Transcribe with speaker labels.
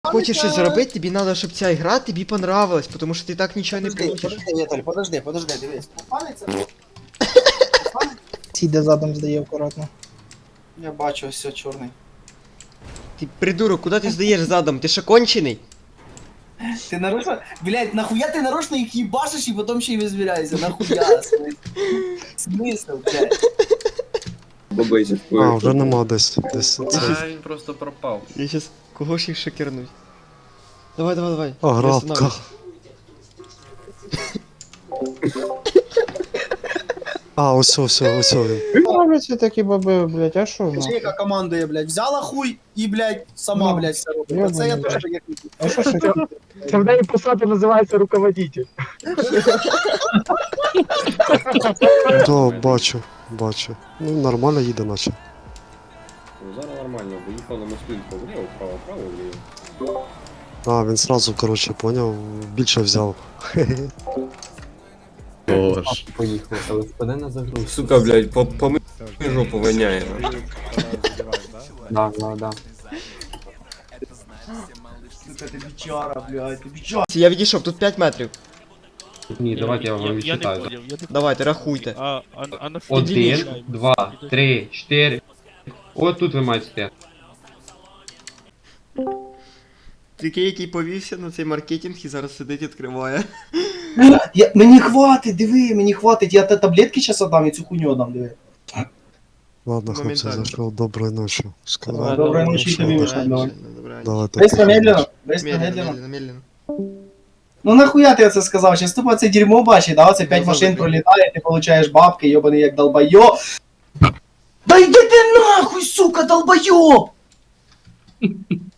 Speaker 1: Хочеш щось зробити, тобі треба, щоб ця гра тобі понравилась, тому що ти так нічого не получиш.
Speaker 2: Подожди, Віталь, подожди, дивись.
Speaker 3: Сіде задом здає акуратно.
Speaker 2: Я бачу, ось все чорний.
Speaker 1: Ти придурок, куди ти здаєш задом? Ти що кончений?
Speaker 2: Ти нарочно, блядь, нахуя ти нарочно їх їбашиш і потім ще й визвіряєшся? Нахуя? Смисл, блядь.
Speaker 4: Бабейся
Speaker 5: А, вже нема десь.
Speaker 6: А, він просто пропав.
Speaker 1: Я щас кого ж їх шокернуть. Давай.
Speaker 5: А,
Speaker 1: Не
Speaker 5: грабка.
Speaker 1: останавливайся.
Speaker 5: А, ось він.
Speaker 3: Робляться такі баби, блядь, а що?
Speaker 2: Скажи, яка командує, блядь, взяла хуй і, блядь, сама,
Speaker 3: Ну,
Speaker 2: блядь, все робить.
Speaker 3: йобаний,
Speaker 2: Це я
Speaker 3: блядь.
Speaker 2: теж як хотів.
Speaker 3: А що ж
Speaker 7: Це в неї посада називається руководитель.
Speaker 5: Да, бачу. Ну, нормально їде, наче.
Speaker 4: Зараз нормально, виїхав на мостинку вліво, вправо, вліво.
Speaker 5: А, він сразу, коротше, поняв, більше взяв.
Speaker 6: Боже.
Speaker 4: Поїхав, але впаде на загруз. Сука, блядь, по жопу воняє. Да.
Speaker 2: Сука, ти бичара, блядь, ти бичара.
Speaker 1: Я відійшов, тут 5 метрів.
Speaker 4: Ні, давайте я вам
Speaker 8: Я не
Speaker 4: відчитаю.
Speaker 8: понял, я не
Speaker 1: Давайте, рахуйте.
Speaker 8: А на що?
Speaker 4: Один, два, три, чотири. От тут ви маєте стояти.
Speaker 1: Такий, який повівся на цей маркетинг і зараз сидить відкриває.
Speaker 2: Мені хватить, диви, мені хватить, я таблетки зараз отдам і цю хуйню отдам, диви.
Speaker 5: Ладно, хлопці,
Speaker 1: Моментально.
Speaker 5: зайшов, доброї ночі. Сказав.
Speaker 2: Доброї ночі тобі,
Speaker 5: Добре.
Speaker 2: Миша, давай.
Speaker 5: Давайте.
Speaker 2: Быстро, медленно.
Speaker 1: Медленно.
Speaker 2: Ну нахуя ти це сказав? Щас тупо це дерьмо бачить, да? Оце 5
Speaker 1: Ну,
Speaker 2: машин
Speaker 1: завжди.
Speaker 2: пролітає, ти получаєш бабки, йобаний як долбойо. Да йди ти нахуй, сука, долбойоб!